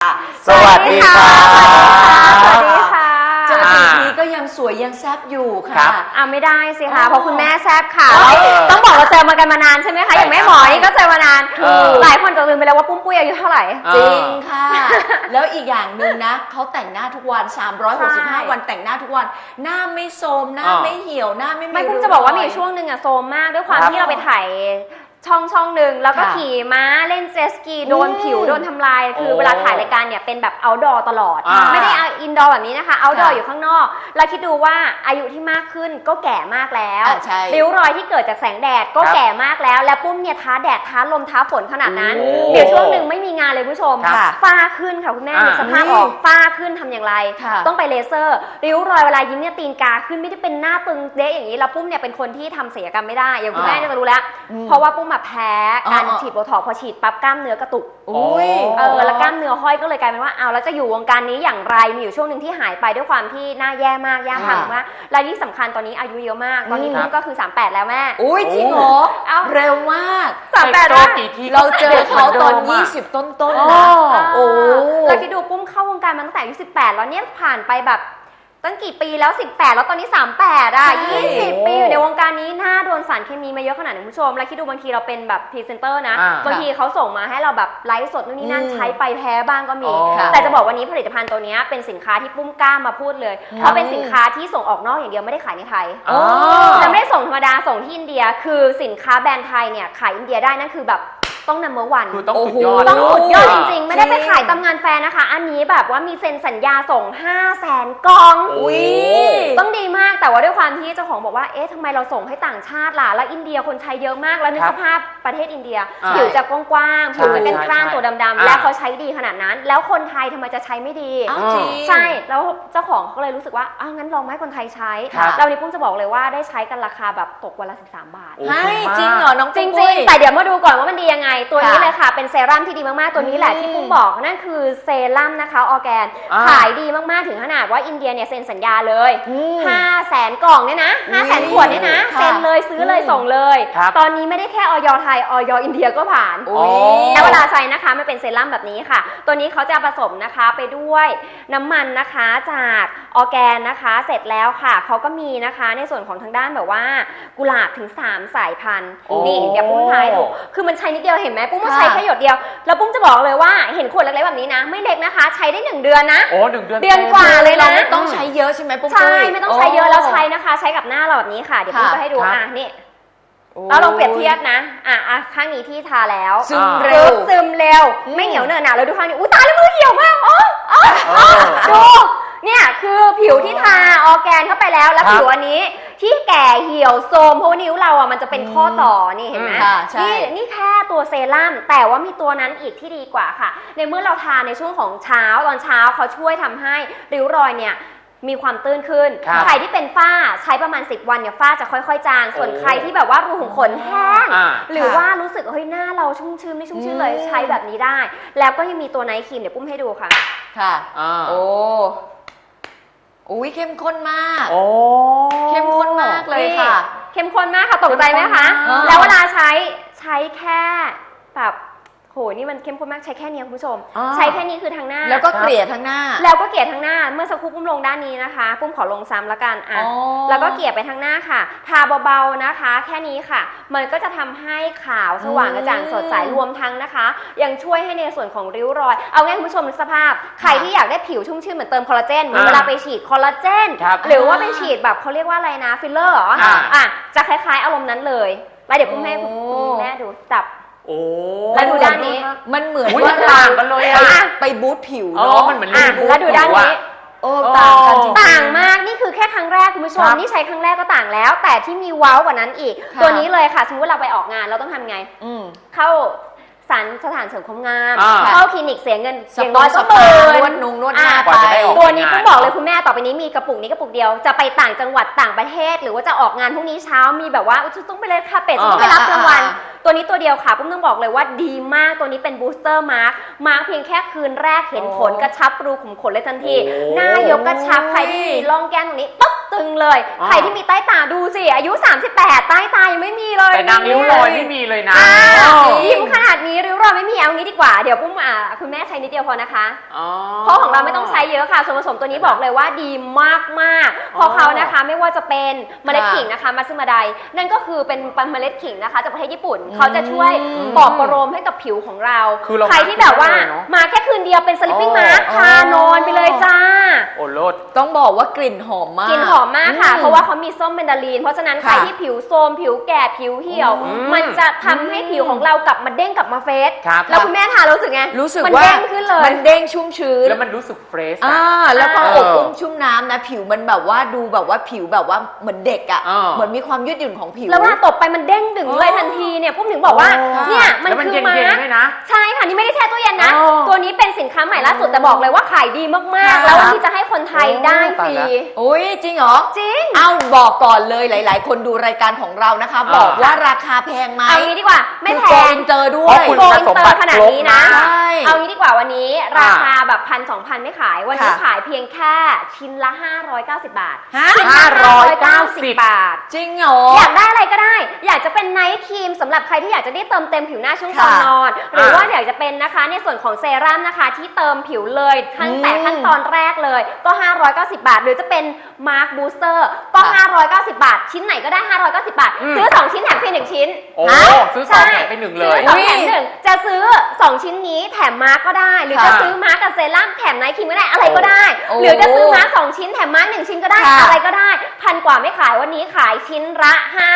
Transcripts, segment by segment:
สวัสดีค่ะสวัสดีค่ะเจอกี่ทีก็ยังสวยยังแซ่บอยู่ค่ะไม่ได้สิคะเพราะคุณแม่แซ่บค่ะต้องบอกเราเจอมากันมานานใช่ไหมคะอย่างแม่หมอนี่ก็เจอมานานหลายคนจะลืมไปแล้วว่าปุ้มปุ้ยอายุเท่าไหร่จริงค่ะแล้วอีกอย่างหนึ่งนะเขาแต่งหน้าทุกวัน365วันแต่งหน้าทุกวันหน้าไม่โทรมหน้าไม่เหี่ยวหน้าไม่ปุ้มจะบอกว่ามีช่วงหนึ่งอะโทรมมากด้วยความที่เราไปถ่ายช่องหนึ่งแล้วก็ขี่ม้าเล่นเจตสกีโดนผิวโดนทำลายคือเวลาถ่ายรายการเนี่ยเป็นแบบเอาท์ดอร์ตลอดไม่ได้อินดอร์แบบนี้นะคะเอาท์ดอร์อยู่ข้างนอกแล้วคิดดูว่าอายุที่มากขึ้นก็แก่มากแล้วริ้วรอยที่เกิดจากแสงแดดก็แก่มากแล้วและปุ้มเนี่ยท้าแดดท้าลมท้าฝนขนาดนั้นเดี๋ยวช่วงหนึ่งไม่มีงานเลยผู้ชมฝ้าขึ้นค่ะคุณแม่สภาพออกฝ้าขึ้นทำอย่างไรต้องไปเลเซอร์ริ้วรอยเวลายิ้มเนี่ยตีนกาขึ้นไม่ได้เป็นหน้าตึงเด๊ะอย่างนี้แล้วปุ้มเนี่ยเป็นคนที่ทำศัลยกรรมไม่ได้อย่างคุณแม่จะรู้แล้วเพราะว่าปุ้มมาแพ้การฉีดโบท็อกซ์พอฉีดปั๊บกล้ามเนื้อกระตุกแล้วกล้ามเนื้อห้อยก็เลยกลายเป็นว่าแล้วจะอยู่วงการนี้อย่างไรมีอยู่ช่วงหนึ่งที่หายไปด้วยความที่หน้าแย่มากย่าพังมากและที่สำคัญตอนนี้อายุเยอะมากตอนนี้ก็คือ38แล้วแม่จริงเหรอเร็วมาก 38 แล้วเราเจอเขาตอน20ต้นๆนะแล้วคิดดูปุ้มเข้าวงการมาตั้งแต่อายุ18แล้วเนี่ยผ่านไปแบบตั้งกี่ปีแล้ว18แล้วตอนนี้3820ปีอยู่ในวงการนี้หน้าโดนสารเคมีมาเยอะขนาดไหนคุณผู้ชมแล้วคิดดูบางทีเราเป็นแบบพรีเซนเตอร์นะบางทีเขาส่งมาให้เราแบบไลฟ์สดนู่นนี่นั่นใช้ไปแพ้บ้างก็มีแต่จะบอกวันนี้ผลิตภัณฑ์ตัวนี้เป็นสินค้าที่ปุ้มกล้ามาพูดเลยเพราะเป็นสินค้าที่ส่งออกนอกอย่างเดียวไม่ได้ขายในไทยและไม่ได้ส่งธรรมดาส่งที่อินเดียคือสินค้าแบรนด์ไทยเนี่ยขายอินเดียได้นั่นคือแบบต้องนัมเบอร์วันคือต้องสุดยอดต้องสุดยอดจริงๆไม่ได้ไปขายตามงานแฟนนะคะอันนี้แบบว่ามีเซ็นสัญญาส่ง500,000 กล่องต้องดีมากแต่ว่าด้วยความที่เจ้าของบอกว่าเอ๊ะทำไมเราส่งให้ต่างชาติล่ะแล้วอินเดียคนใช้เยอะมากแล้วนึกสภาพประเทศอินเดียผิวจะกว้างๆผิวจะเป็นกล้านตัวดำๆแล้วเขาใช้ดีขนาดนั้นแล้วคนไทยทำไมจะใช้ไม่ดีใช่แล้วเจ้าของเขาเลยรู้สึกว่างั้นลองให้คนไทยใช้แล้ววันนี้ปุ้มจะบอกเลยว่าได้ใช้กันราคาแบบตกวันละ13 บาทจริงเหรอน้องจริงๆแต่เดี๋ยวมาดูก่อนว่ามันดียังไงตัวนี้เลยค่ะเป็นเซรั่มที่ดีมากๆตัวนี้แหละที่ปุ้มบอกนั่นคือเซรั่มนะคะออร์แกนขายดีมากๆถึงขนาดว่าอินเดียเนี่ยเซ็นสัญญาเลย500,000 กล่องเนี่ยนะ500,000 ขวดเนี่ยนะเซ็นเลยซื้อเลยส่งเลยตอนนี้ไม่ได้แค่ออยไทยออยอินเดียก็ผ่านแล้วเวลาใช้นะคะมันเป็นเซรั่มแบบนี้ค่ะตัวนี้เขาจะผสมนะคะไปด้วยน้ำมันนะคะจากออร์แกนนะคะเสร็จแล้วค่ะเขาก็มีนะคะในส่วนของทางด้านแบบว่ากุหลาบถึง3 สายพันธุ์นี่เดี๋ยวปุ้มทายดูคือมันใช้นิดเดียวเห็นไหมปุ้มใช้แค่หยดเดียวแล้วปุ้มจะบอกเลยว่าเห็นขวดเล็กๆแบบนี้นะไม่เล็กนะคะใช้ได้1 เดือนนะ 1 เดือนเดือนกว่าเลยนะไม่ต้องใช้เยอะใช่ไหมปุ้มใช่ไม่ต้องใช้เยอะแล้วใช้นะคะใช้กับหน้าเราแบบนี้ค่ะเดี๋ยวปุ้มจะให้ดูนี่แล้วลองเปรียบเทียบนะข้างนี้ที่ทาแล้วซึมเร็วไม่เหนียวเหนอะหนะแล้วดูข้างนี้ตายแล้วมือเหี่ยวมากดูเนี่ยคือผิวที่ทาออร์แกนเข้าไปแล้วผิวอันนี้ที่แก่เหี่ยวโทรมเพราะนิ้วเรามันจะเป็นข้อต่อนี่เห็นไหมนี่แค่ตัวเซรั่มแต่ว่ามีตัวนั้นอีกที่ดีกว่าค่ะในเมื่อเราทาในช่วงของเช้าตอนเช้าเขาช่วยทำให้ริ้วรอยเนี่ยมีความตื้นขึ้นใครที่เป็นฝ้าใช้ประมาณ10 วันเนี่ยฝ้าจะค่อยๆจางส่วนใครที่แบบว่ารูขุมขนแห้งหรือว่ารู้สึกหน้าเราชุ่มชื้นไม่ชุ่มชื้นเลยใช้แบบนี้ได้แล้วก็ยังมีตัวไนท์ครีมเดี๋ยวปุ้มให้ดูค่ะเข้มข้นมากเข้มข้นมากเลยค่ะเข้มข้นมากค่ะตกใจไหมคะแล้วเวลาใช้แค่แบบนี่มันเข้มข้นมากใช้แค่นี้คุณผู้ชมใช้แค่นี้คือทางหน้าแล้วก็เกลี่ยทางหน้าแล้วก็เกลี่ยทางหน้าเมื่อสักครู่ปุ้มลงด้านนี้นะคะปุ้มขอลงซ้ำละกันแล้วก็เกลี่ยไปทางหน้าค่ะทาเบาๆนะคะแค่นี้ค่ะมันก็จะทำให้ขาวสว่างกระจ่างสดใสรวมทั้งนะคะยังช่วยให้ในส่วนของริ้วรอยเอาง่ายคุณผู้ชมสภาพใครที่อยากได้ผิวชุ่มชื่นเหมือนเติมคอลลาเจนเหมือนเวลาไปฉีดคอลลาเจนหรือว่าไปฉีดแบบเขาเรียกว่าอะไรนะฟิลเลอร์เหรอจะคล้ายๆอารมณ์นั้นเลยแล้วเดี๋ยวปุ้มให้แม่ดูจับแล้วดูด้านนี้มันเหมือนว่าต่างกันเลยไปบูทผิวเนาะมันเหมือนแล้วดูด้านนี้ต่างกันจริงต่างมากนี่คือแค่ครั้งแรกคุณผู้ชมนี่ใช้ครั้งแรกก็ต่างแล้วแต่ที่มีว้าวกว่านั้นอีกตัวนี้เลยค่ะสมมติเราไปออกงานเราต้องทำไงเข้าสถานเสริมความงามเข้าคลินิกเสียเงินอย่างน้อยก็นวดหน้าไปตัวนี้ก็บอกเลยคุณแม่ต่อไปนี้มีกระปุกนี้กระปุกเดียวจะไปต่างจังหวัดต่างประเทศหรือว่าจะออกงานพรุ่งนี้เช้ามีแบบว่าต้องไปเลยค่ะเป็ดต้องไปรับรางวัลตัวนี้ตัวเดียวค่ะปุ้มต้องบอกเลยว่าดีมากตัวนี้เป็นบูสเตอร์มาร์คเพียงแค่คืนแรกเห็นผลกระชับรูขุมขนเลยทันทีหน้ายกกระชับใครที่มีร่องแก้มตรงนี้ปุ๊บตึงเลยอ๋อใครที่มีใต้ตาดูสิอายุ 38 ใต้ตายังไม่มีเลยแต่นางริ้วรอยไม่มีเลยนะอ่าอ้าวยิ้มขนาดนี้ริ้วรอยไม่มีเอางี้ดีกว่าเดี๋ยวปุ้มคุณแม่ใช้นิดเดียวพอนะคะอ๋อเพราะของเราไม่ต้องใช้เยอะค่ะส่วนผสมตัวนี้บอกเลยว่าดีมากๆเพราะเขานะคะไม่ว่าจะเป็นเมล็ดขิงนะคะมาซึมาไดนั่นก็คือเป็นเมล็ดขิงนะคะจากประเทศญี่ปุ่นเขาจะช่วยปลอบประโลมให้กับผิวของเราคือเราใครที่แบบว่าได้เลยเนอะมาแค่คืนเดียวเป็นสลิปปิ้งอ๋อมาร์คทานอนไปเลยจ้าโอ้โลดต้องบอกว่ากลิ่นหอมมากกลิ่นหอมมากค่ะ เพราะว่าเขามีส้มเบนดาลีน เพราะฉะนั้นใครค่ะที่ผิวโทรมผิวแก่ผิวเหี่ยวอืมมันจะทำให้ผิวของเรากลับมาเด้งกลับมาเฟสครับแล้วคุณแม่ทานรู้สึกไงรู้สึกมันว่าเด้งขึ้นเลยมันเด้งชุ่มชื้นแล้วมันรู้สึกเฟรชแล้วก็เอออบอุ้มชุ่มน้ำนะ ผิวมันแบบว่าดูแบบว่าผิวแบบว่าเหมือนเด็กอ่ะเออเหมือนมีความยืดหยุ่นของผิวแล้วเวลาตบไปมันเด้งดึงเลยทันทีเนี่ยปุ้มถึงบอกว่าโอ้เนี่ยมันแล้วมันคือเย็นมาๆร์คด้วยนะใช่ค่ะนี่ไม่ได้แช่ตู้เย็นนะอ๋อตัวนี้เป็นสินค้าใหม่ล่าสุดแต่บอกเลยว่าขายดีมากๆค่ะแล้ววันนี้จะให้คนไทยได้ฟรีตายแล้วโอ้ยจริงเหรอจริงเอ้าบอกก่อนเลยหลาย ๆ คนดูรายการของเรานะคะ บอกว่าราคาแพงไหมเอางี้ดีกว่าไม่แพคือโกงอินเตอร์ด้วเพราะยคุณโกอินเตอร์ขนาดนี้นะใช่เอางี้ดีกว่าวันนี้ราคาแบบ1,000-2,000ไม่ขาย วันนี้ค่ะขายเพียงแค่ชิ้นละ 590 บาทฮะชิ้นละ 590 บาทจริงเหรออยากได้อะไรก็ได้ อยากจะเป็นไนท์ครีมสำหรับใครที่อยากจะได้เติมเต็มผิวหน้าช่วงก่อนค่ะนอน หรือว่าอยากจะเป็นนะคะในส่วนของเซรั่มนะคะที่เติมผิวเลยตั้งแต่ขั้นตอนแรกเลยก็ 590 บาท หรือจะเป็นมาร์คบูสเตอร์ก็ 590 บาท ชิ้นไหนก็ได้ 590 บาทอืมซื้อ 2 ชิ้นแถมฟรี1ชิ้นโอ้ฮะซื้อสองแถมไปหนึ่งเลซื้ยอสองแถมหนึ่งจะซื้อ 2 ชิ้นนี้แถมมาร์กก็ได้ หรือค่ะจะซื้อมาร์กกับเซรั่มแถมไนท์ครีมก็ได้อะไรก็ได้โอ้หรือจะซื้อมาร์ก2ชิ้นแถมมาร์ก1ชิ้นก็ได้ค่ะอะไรก็ได้พันกว่าไม่ขายวันนี้ขายชิ้นละ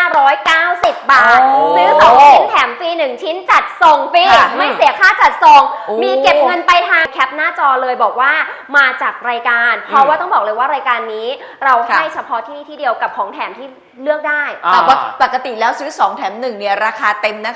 590 บาทโอ้ซื้อ 2 ชิ้นแถมฟรี1ชิ้นจัดส่งฟรีค่ะไม่เสียค่าจัดส่งโอ้มีเก็บเงินไปลายทางแคปหน้าจอเลยบอกว่ามาจากรายการ เพราะว่าต้องบอกเลยว่ารายการนี้เราให้เฉพาะที่นี่ที่เดียวกับของแถมที่เลือกได้อ่าแต่ว่าปกติแล้วซื้อ 2 แถม 1 เนี่ย ราคาเต็มนะคะ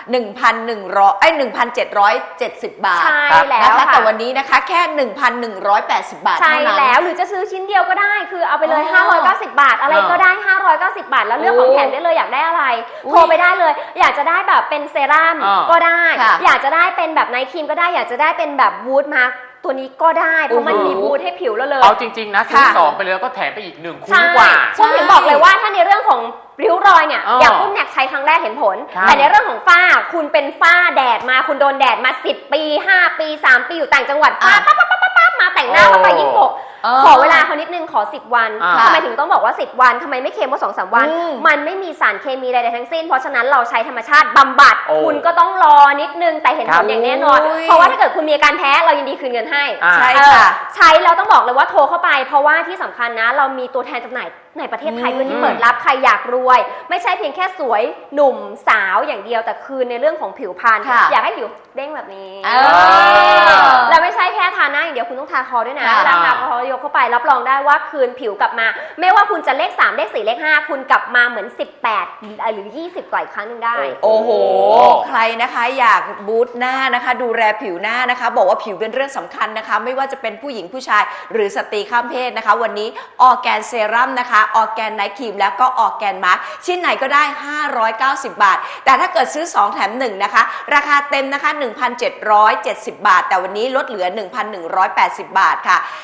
1,770 บาทใช่ครับแล้วนะคะค่ะแต่วันนี้นะคะแค่ 1,180 บาทใช่เท่านั้นแล้วหรือจะซื้อชิ้นเดียวก็ได้คือเอาไปเลยอ๋อ 590 บาท อะไรก็ได้ 590 บาท แล้วเลือกของแถมได้เลยอยากได้อะไรอุ๊ยโทรไปได้เลย อยากจะได้แบบเป็นเซรั่มอ่าก็ได้ค่ะอยากจะได้เป็นแบบไนท์ครีมก็ได้อยากจะได้เป็นแบบวูดมาร์กตัวนี้ก็ได้เพราะมันโอ้โหมีวูดให้ผิวแล้วเลยเอาจริง ๆ นะซื้อค่ะสองไปเลยก็แถมไปอีกหนึ่งคุ้มใช่กว่าพวกถึงบอกเลยว่าถ้าในเรื่องของริ้วรอยเนี่ยอ๋ออย่างปุ้มเนี่ยใช้ครั้งแรกเห็นผลครับแต่ในเรื่องของฝ้าคุณเป็นฝ้าแดดมาคุณโดนแดดมา10 ปี 5 ปี 3 ปีอยู่ต่างจังหวัดฝ้าอ่ะปั๊บมาแต่งหน้าเข้าไปยิ่งโกะ ขอเวลาเขานิดนึงขอ10 วันอ่าทำไมถึงต้องบอกว่า10 วันทำไมไม่เค็มว่า2-3 วันอืมมันไม่มีสารเคมีใดๆทั้งสิ้น เพราะฉะนั้นเราใช้ธรรมชาติบำบัดโอ้คุณก็ต้องรอนิดนึงแต่เห็นผลอย่างแน่นอนโอ้ยเพราะว่าถ้าเกิดคุณมีอาการแพ้เรายินดีคืนเงินให้อ่าใช่เออค่ะใช้แล้วต้องบอกเลยว่าโทรเข้าไป เพราะว่าที่สำคัญนะเรามีตัวแทนจำหน่ายในประเทศไทยด้วยที่เปิดรับใครอยากรวย ไม่ใช่เพียงแค่สวยหนุ่มสาวอย่างเดียวแต่คือในเรื่องของผิวพรรณค่ะอยากให้ผิวเด้งแบบนี้เออแล้วไม่ใช่แค่ทาหน้าอย่างเดียวคุณต้องทาคอด้วยนะค่ะเวลาทาคอยกเข้าไปรับรองได้ว่าคืนผิวกลับมา ไม่ว่าคุณจะเลข3เลข4เลข5คุณกลับมาเหมือน18หรือ20กว่าอีกครั้งหนึงได้โอ้โห ใครนะคะอยากบูตหน้านะคะ ดูแลผิวหน้านะคะ บอกว่าผิวเป็นเรื่องสำคัญนะคะ ไม่ว่าจะเป็นผู้หญิงผู้ชาย หรือสตรีข้ามเพศนะคะ วันนี้ออร์แกนเซรั่มนะคะออร์แกนไนท์ครีมแล้วก็ออร์แกนมาร์คชิ้นไหนก็ได้ 590 บาท แต่ถ้าเกิดซื้อ 2 แถม 1 นะคะ ราคาเต็มนะคะ 1,770 บาท แต่วันนี้ลดเหลือ 1,180 บาทค่ะ